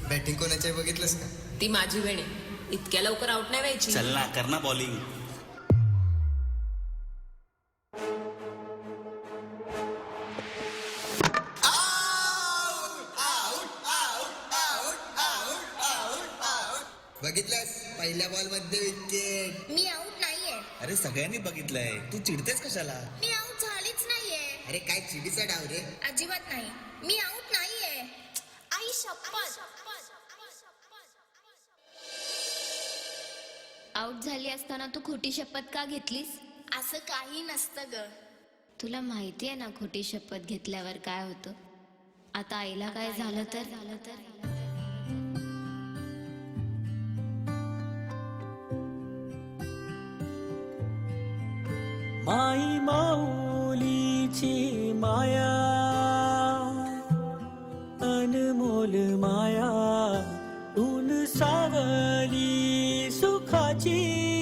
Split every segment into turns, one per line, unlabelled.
Batting कोणाची आहे बघितलंस का?
ती माझी वेळ आहे. इतक्या लवकर आउट नाही व्हायची.
चल ना, कर ना बॉलिंग.
बघितलंस पहिल्या बॉल मध्ये विकेट.
मी आऊट नाहीये.
अरे सगळ्यांनी बघितलंय, तू चिडतेस कशाला?
मी आऊट झालीच नाहीये.
अरे काय चिडीचा डाव रे.
अजिबात नाही. मी आऊट नाहीये. आई शपथ.
आऊट झाली असताना तू खोटी शपथ का घेतलीस?
असं काही नसतं ग.
तुला माहिती आहे ना खोटी शपथ घेतल्यावर काय होतं. आता आईला काय झालं तर
माई माऊलीची माया, अनमोल माया, ऊन सावली सुखाची,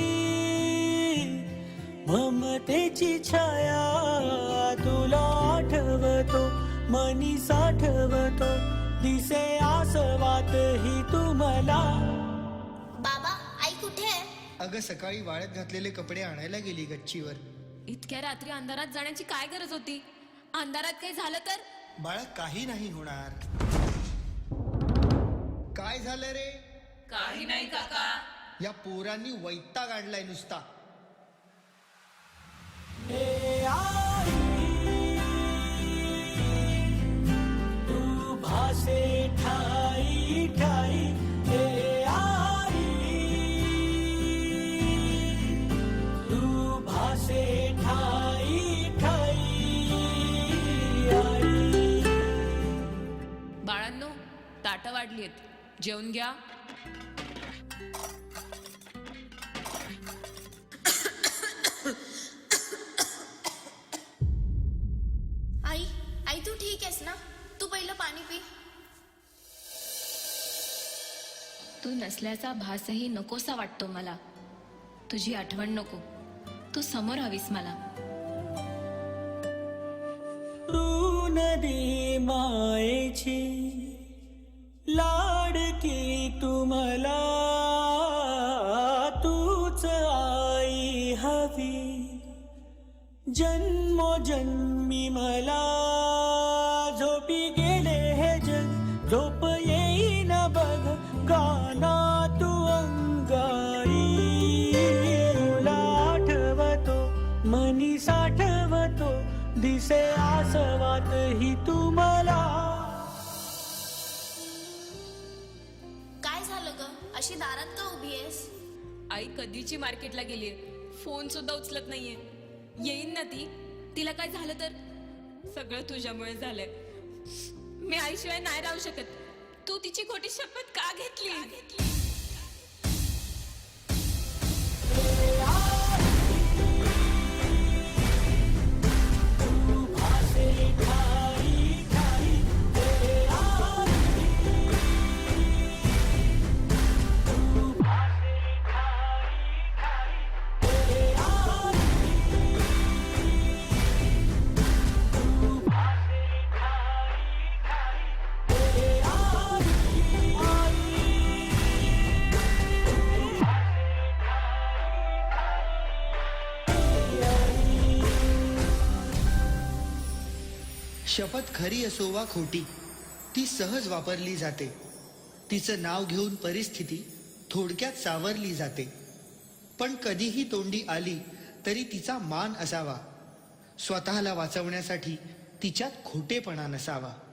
ममतेची छाया तुला आठवतो, मनी साठवतो, दिसे आसवात ही तुम्हाला.
बाबा आई कुठे आहे?
अगं सकाळी वाळत घातलेले कपडे आणायला गेली गच्चीवर.
इतक्या रात्री अंधारात जाण्याची काय गरज होती? अंधारात काही झालं तर?
बाळा काही नाही होणार. काय झालं रे?
काही नाही काका.
या पोरांनी वैताग आणलाय नुसता.
ए आई, तू भासे ठाई ठाई. ए आई, तू भासे ठाई ठाई. आई,
बाळांनो, ताटं वाढलीत, जेवून घ्या.
आई आई तू ठीक आहेस ना? तू पहिलं पाणी पी.
तू नसल्याचा भासही नकोसा वाटतो मला. तुझी आठवण नको, तू समोर हवीस मला.
तू नदी मायेची लाडकी तुम्हाला, तूच आई हवी जन्मोजन्मी मला. झोपी गेले हे जग, झोप येईन बघ, गाना तू अंगाई. तुला आठवतो, मनी साठवतो, दिसे आसवात ही तुम्हाला.
काय झालं ग? अशी दारात का उभी आहेस?
आई कधीची मार्केटला गेलीये, फोन सुद्धा उचलत नाहीये. येईन ना ती. तिला काय झालं तर? सगळं तुझ्यामुळे झालंय. मी आईशिवाय नाही राहू शकत. तू तिची खोटी शपथ का घेतली?
शपथ खरी असो वा खोटी, ती सहज वापरली जाते. तिचं नाव घेऊन परिस्थिती थोडक्यात सावरली जाते. पण कधीही तोंडी आली तरी तिचा मान असावा. स्वतःला वाचवण्यासाठी तिच्यात खोटेपणा नसावा.